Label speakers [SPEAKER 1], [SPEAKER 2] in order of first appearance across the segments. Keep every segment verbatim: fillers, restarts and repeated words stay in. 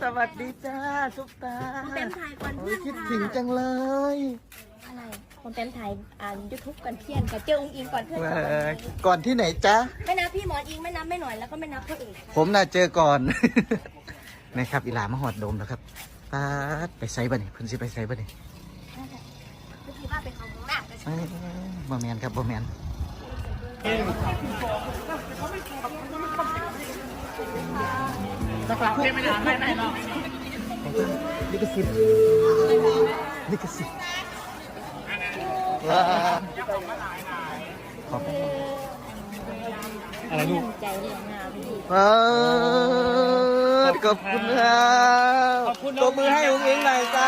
[SPEAKER 1] สวัสดีจ้าซุปตา
[SPEAKER 2] ผมเต็มถ่ายก่อนเพื่อน
[SPEAKER 1] คิดถึงจังเลย
[SPEAKER 2] อะไรผมเต็มถ่ายอ่านยูทูบก่อนเพื่อนกับเจออุ้งอิงก่อนเพื่อน
[SPEAKER 1] เออก่อนที่ไหนจ๊ะ
[SPEAKER 2] ไม่นับพี่หมอนอิงไม่นับไม่หน่อยแล้วก็ไม่นับพ่อเอก
[SPEAKER 1] ผมน่ะเจอก่อน นะครับอีหลามาหอดโดมแล้วครับป้าดไปไซบ่นี่เพิ่นสิไปไซบ่นี่
[SPEAKER 2] ก็คือว่าไปเขาข้างหน้าก็ใช่
[SPEAKER 1] เอ้ยบ่แมนครับบ่แมนสักหลักไม่ได้ไม่ได้หรอกลิขสิทธิ์ลิขสิทธิ์ว้าขอบคุณอะไรลูก
[SPEAKER 2] ใจเรียงหน้าพี่
[SPEAKER 1] เออขอบคุณครับตบมือให้อุ้งอิงหน่อยจ้า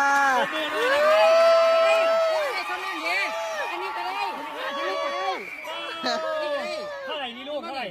[SPEAKER 3] เท่าไหร่นี่ลูกเท่าไหร่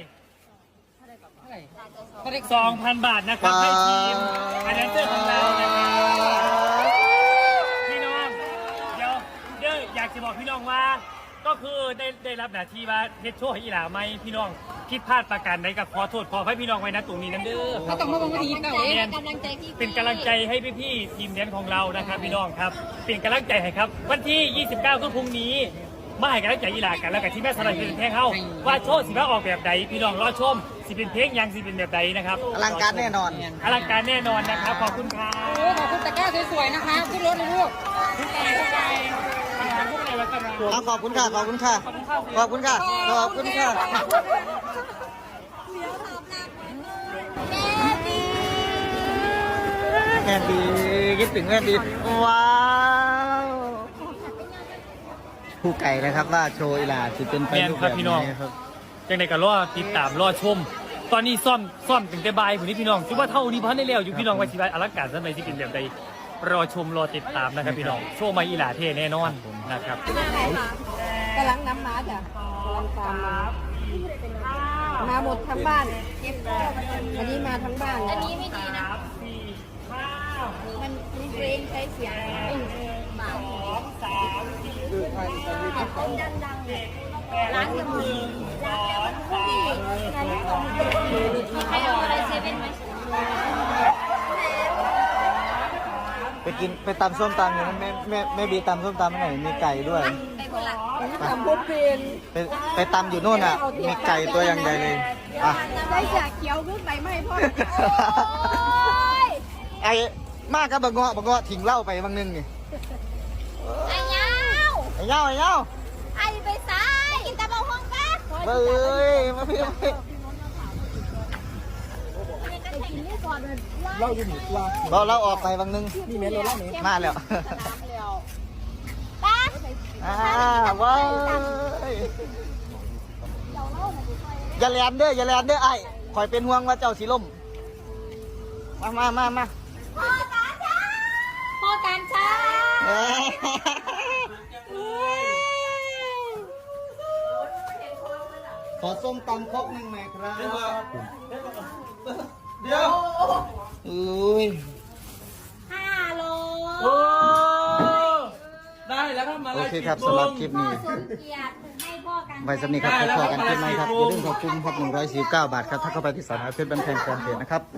[SPEAKER 3] สองพันบาทนะครับให้ทีมอันนั้นเจ้าของเรานะครับพี่น้องเดี๋ยวเดี๋ยวอยากจะบอกพี่น้องว่าก็คือได้ได้รับหน้าที่ว่าเฮ็ดโชว์ให้อีหลาไหมพี่น้องผิดพลาดประการใดก็ขอโทษขอให้พี่น้องไว้นะตรงนี้นั่นเด้อครับ
[SPEAKER 2] ต้องมาบังคับเก่าเองกำลังใจพี่
[SPEAKER 3] เป็นกำลังใจให้พี่ๆทีมแดนของเรานะครับพี่น้องครับเป็นกำลังใจให้ครับวันที่ยี่สิบเก้าก็พรุ่งนี้มาให้กำลังใจอีหลากันแล้วกับที่แม่สลัดเป็นแท้เข้าว่าโชว์สิว่าออกแบบใดพี่น้องรอชมสิเป็นเพลงยังสิเป็นแบบใดนะครับ
[SPEAKER 1] อลังการแน่นอน
[SPEAKER 3] อลังการแน่นอนนะครับขอบคุณครับ
[SPEAKER 2] ขอบคุณตะกร้าสวยๆนะคะขึ้นรถเลยลูก
[SPEAKER 3] ทุกใจทุกใจทุกใจวัฒนธรรม
[SPEAKER 1] เอาขอบคุณค่ะ ขอบคุณค่ะ ขอบคุณค่ะ ขอบคุณค่ะแม่ดีคิดถึงแม่ดีว้าวผู้ไก่นะครับว่าโชว์อีหลาจะเป็นไป
[SPEAKER 3] แม่น
[SPEAKER 1] รูป
[SPEAKER 3] ค
[SPEAKER 1] แบ
[SPEAKER 3] รับบ พี่น้อง
[SPEAKER 1] นี้ครับ
[SPEAKER 3] จังใดก็รอติดตามรอชม ตอนนี้ซ่อมซ่อมถึงแต่บ่ายผมนี่พี่น้องคิดว่าเท่านี้พันได้แล้วอยู่พี่น้องว่าชีวิตอลังการสมัยที่เป็นแบบใดรอชมรอติดตามนะครับพี่น้องโชว์มาอีหลาเท่แน่นอนนะครับ
[SPEAKER 2] กำลังน้ำมาจ้ะกำลังตามมามาหมดทั้งบ้านอันนี้มาทั้งบ้านอันนี้ไม่ดีนะมันมันเพลงใช้เสียงเบาดังๆร้านจะมีร้านมีใครเอาอะไรเซเว่นไหม
[SPEAKER 1] ไปกินไปตำส้มตำอย่างนั้นแม่แม่แม่บีตำส้มตำไหนมีไก่ด้วย
[SPEAKER 2] ไปคนละตำพุทเพน
[SPEAKER 1] ไปไปตำอยู่โน่นอ่ะ มีไก่ตัวอย่างใหญ่เลยอ่ะ
[SPEAKER 2] ได้จากเขียวขึ้นไปไม่พ่อ
[SPEAKER 1] ไอ้มากกับบะเงาะบะเงาะทิ้งเหล้าไปบางนึงนี่
[SPEAKER 2] ไอ้เงา
[SPEAKER 1] ไอ้เงาไอ้เงา
[SPEAKER 2] ไอ้ไปซ้ายกินตะบองห้องป้า
[SPEAKER 1] เบ้ยมาพี่มาพี่
[SPEAKER 2] เราอยู่หมู่ว่า
[SPEAKER 1] เราเราออกไปบางนึงนี่เมนเราเล่านี้มาแล้ว
[SPEAKER 2] ป้า
[SPEAKER 1] อ่าว้ายอย่าแลนเด้ออย่าแลนเด้อไอ้คอยเป็นห่วงว่าเจ้าสีล่มมามามามา
[SPEAKER 2] พ่อการช้าพ่อการช้า
[SPEAKER 1] เอ้ยขอส้มตำครกหนึ่งหน่อยครับเดี๋ยวอุ้ย
[SPEAKER 2] ห้าโล
[SPEAKER 3] โอ้ได้แล้วครับมา
[SPEAKER 1] โอเคครับสำหรับคลิปนี้
[SPEAKER 2] สมเกียรติให้พ่อการ
[SPEAKER 1] ไว้สำนีครับพบกันคลิปใหม่ครับอย่าลืมขอบคุณครับหนึ่งร้อยสี่สิบเก้าบาทครับถ้าเข้าไปที่สาขาเพชรบันแพงแฟนเพจนะครับ